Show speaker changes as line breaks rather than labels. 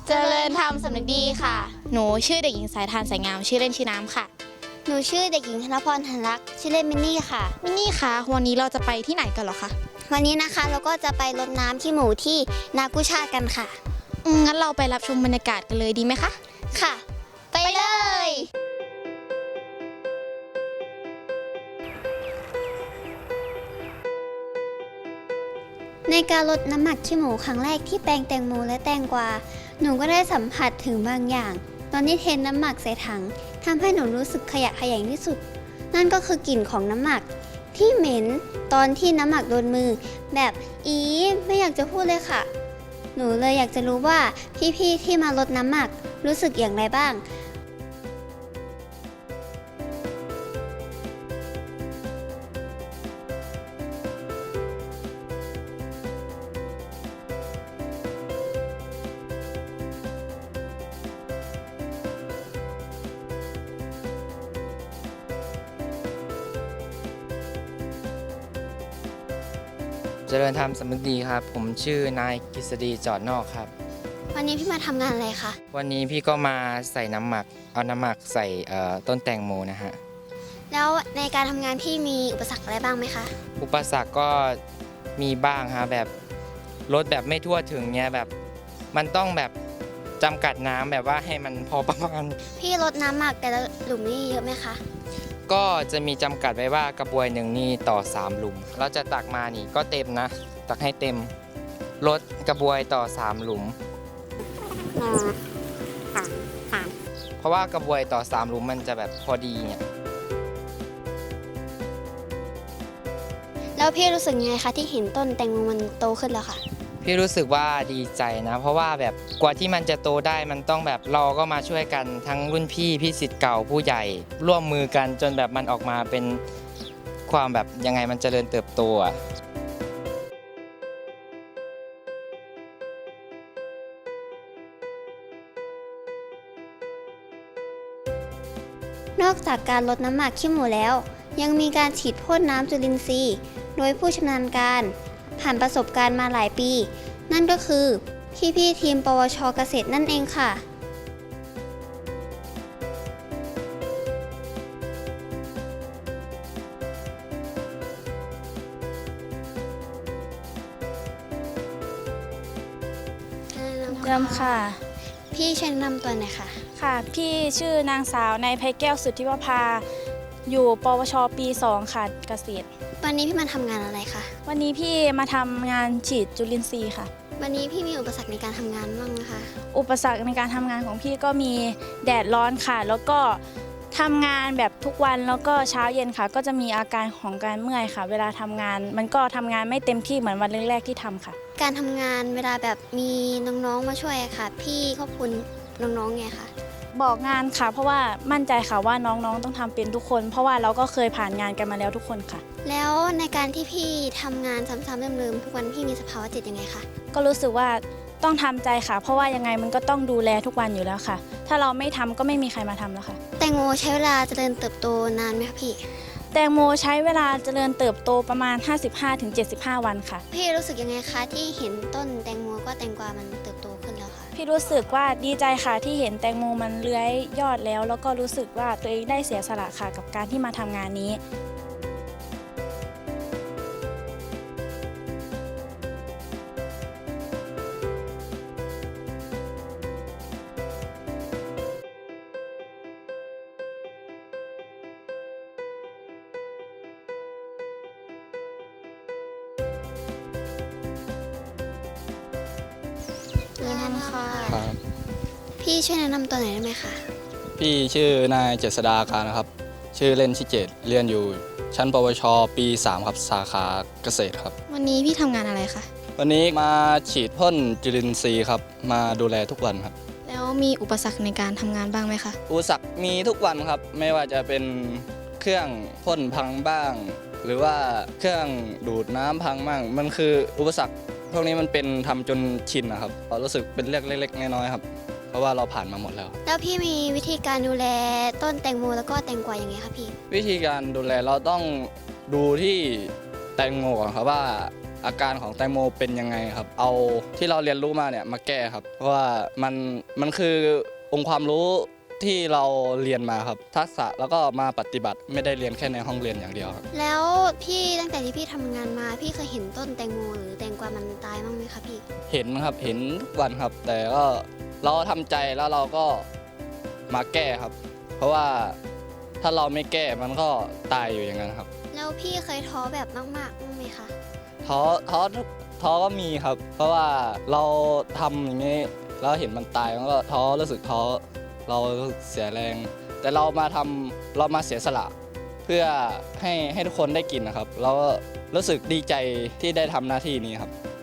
เจริญธรรมสำนึกดีค่ะ หนูชื่อเด็กหญิงสายทานสายงามชื่อเล่นชื่อน้ำค่ะ
หนูชื่อเด็กหญิงธนพรหันรักชื่อเล่นมินนี่ค่ะ
มินนี่คะวันนี้เราจะไปที่ไหนกันเหรอคะ
วันนี้นะคะเราก็จะไปรดน้ำที่หมู่ที่นากุชาติกันค่ะ
งั้นเราไปรับชมบรรยากาศกันเลยดีไหมคะ
ค่ะไปเลยในการลดน้ำหมักขี้หมูครั้งแรกที่แปลงแตงโมและแตงกวาหนูก็ได้สัมผัสถึงบางอย่างตอนที่เทน้ำหมักใส่ถังทำให้หนูรู้สึกขยะแขยงที่สุดนั่นก็คือกลิ่นของน้ำหมักที่เหม็นตอนที่น้ำหมักโดนมือแบบไม่อยากจะพูดเลยค่ะหนูเลยอยากจะรู้ว่าพี่ๆที่มาลดน้ำหมักรู้สึกอย่างไรบ้าง
เจริญธรรมสำนึกดีครับผมชื่อนายกฤษฎีจอดนอกครับ
วันนี้พี่มาทำงานอะไรคะ
วันนี้พี่ก็มาใส่น้ำหมักเอาน้ำหมักใส่ต้นแตงโมนะฮะ
แล้วในการทำงานพี่มีอุปสรรคอะไรบ้างไหมคะ
อุปสรรคก็มีบ้างฮะแบบรถแบบไม่ทั่วถึงเนี้ยแบบมันต้องแบบจำกัดน้ำแบบว่าให้มันพอประมาณ
พี่ลดน้ำหมักแต่ละหลุมนี่เยอะไหมคะ
ก็จะมีจำกัดไว้ว่ากระบวยหนึ่งนี่ต่อ3หลุมเราจะตักมานี่ก็เต็มนะตักให้เต็มลดกระบวยต่อ3หลุมเพราะว่ากระบวยต่อ3หลุมมันจะแบบพอดีเนี่ย
แล้วพี่รู้สึกยังไงคะที่เห็นต้นแตงโมมันโตขึ้นแล้วค่ะ
พี่รู้สึกว่าดีใจนะเพราะว่าแบบกว่าที่มันจะโตได้มันต้องแบบเราก็มาช่วยกันทั้งรุ่นพี่ศิษย์เก่าผู้ใหญ่ร่วมมือกันจนแบบมันออกมาเป็นความแบบยังไงมันเจริญเติบโตอ่ะ
นอกจากการลดน้ำหมักขี้หมูแล้วยังมีการฉีดพ่นน้ำจุลินทรีย์โดยผู้ชำนาญการผ่านประสบการณ์มาหลายปีนั่นก็คือพี่ทีมปวชเกษตรนั่นเองค่ะ
เริ่มค่ะ
พี่ช่วยแนะนำตัวหน่อยค่ะ
ค่ะพี่ชื่อนางสาวในภัยแก้วสุทธิวภาอยู่ปวชปี 2 ค่ะเกษตร
วันนี้พี่มาทำงานอะไรคะ
วันนี้พี่มาทำงานฉีดจุลินทรีย์ค่ะ
วันนี้พี่มีอุปสรรคในการทำงานบ้างไหมคะ
อุปสรรคในการทำงานของพี่ก็มีแดดร้อนค่ะแล้วก็ทำงานแบบทุกวันแล้วก็เช้าเย็นค่ะก็จะมีอาการของการเมื่อยค่ะเวลาทำงานมันก็ทำงานไม่เต็มที่เหมือนวันแรกๆที่ทำค่ะ
การทำงานเวลาแบบมีน้องๆมาช่วยค่ะพี่ขอบคุณน้องๆไงคะ
บอกงานค่ะเพราะว่ามั่นใจค่ะว่าน้องๆต้องทำเป็นทุกคนเพราะว่าเราก็เคยผ่านงานกันมาแล้วทุกคนค่ะ
แล้วในการที่พี่ทำงานซ้ำๆเดิมๆทุกวันพี่มีสภาวะจิตยังไงคะ
ก็รู้สึกว่าต้องทำใจค่ะเพราะว่ายังไงมันก็ต้องดูแลทุกวันอยู่แล้วค่ะถ้าเราไม่ทำก็ไม่มีใครมาทำแล้วค่ะ
แตงโมใช้เวลาเจริญเติบโตนานไหมคะพี่
แตงโมใช้เวลาเจริญเติบโตประมาณ 55-75 วันค่ะ
พี่รู้สึกยังไงคะที่เห็นต้นแตงโมก็แตงกวามันเติบโตขึ้นแล้วค่ะ
พี่รู้สึกว่าดีใจค่ะที่เห็นแตงโมมันเลื้อยยอดแล้วก็รู้สึกว่าตัวเองได้เสียสละค่ะกับการที่มาทำงานนี้
ครับพี่ช่วยแนะนำตัวหน่อยได้ไหมคะ
พี่ชื่อนายเจษฎาการนะครับชื่อเล่นชื่อเจตเรียนอยู่ชั้นปวชปี 3 ครับสาขาเกษตรครับ
วันนี้พี่ทำงานอะไรคะ
วันนี้มาฉีดพ่นจุลินทรีย์ครับมาดูแลทุกวันครับ
แล้วมีอุปสรรคในการทำงานบ้างไหมคะ
อุปสรรคมีทุกวันครับไม่ว่าจะเป็นเครื่องพ่นพังบ้างหรือว่าเครื่องดูดน้ำพังบ้างมันคืออุปสรรคพวกนี้มันเป็นทำจนชินนะครับเรารู้สึกเป็นเรื่องเล็กๆน้อยๆครับเพราะว่าเราผ่านมาหมดแล้ว
พี่มีวิธีการดูแลต้นแตงโมแล้วก็แตงกวาอย่างไงคะพี่
วิธีการดูแลเราต้องดูที่แตงโมก่อนครับว่าอาการของแตงโมเป็นยังไงครับ เอาที่เราเรียนรู้มาเนี่ยมาแก้ครับ เพราะว่ามันคือองค์ความรู้ที่เราเรียนมาครับ ทักษะแล้วก็มาปฏิบัติไม่ได้เรียนแค่ในห้องเรียนอย่างเดียวครับ
แล้วพี่ตั้งแต่ที่พี่ทำงานมาพี่เคยเห็นต้นแตงโมหรือแตงกวามันตายบ้างไหมคะพี่
เห็นครับเห็นทุกวันครับ แต่ก็เราทำใจแล้วเราก็มาแก้ครับ เพราะว่าถ้าเราไม่แก้มันก็ตายอยู่อย่างนั้นครับ
แล้วพี่เคยท้อแบบมากๆบ้างไหมคะ
ท้อก็มีครับ เพราะว่าเราทำอย่างนี้แล้วเห็นมันตายมันก็ท้อรู้สึกท้อเรารู้สึกเสียแรง แต่เรามาเสียสละเพื่อให้ทุกคนได้กินนะครับเราก็รู้สึกดีใจที่ได้ทำหน้าที่นี้ครับ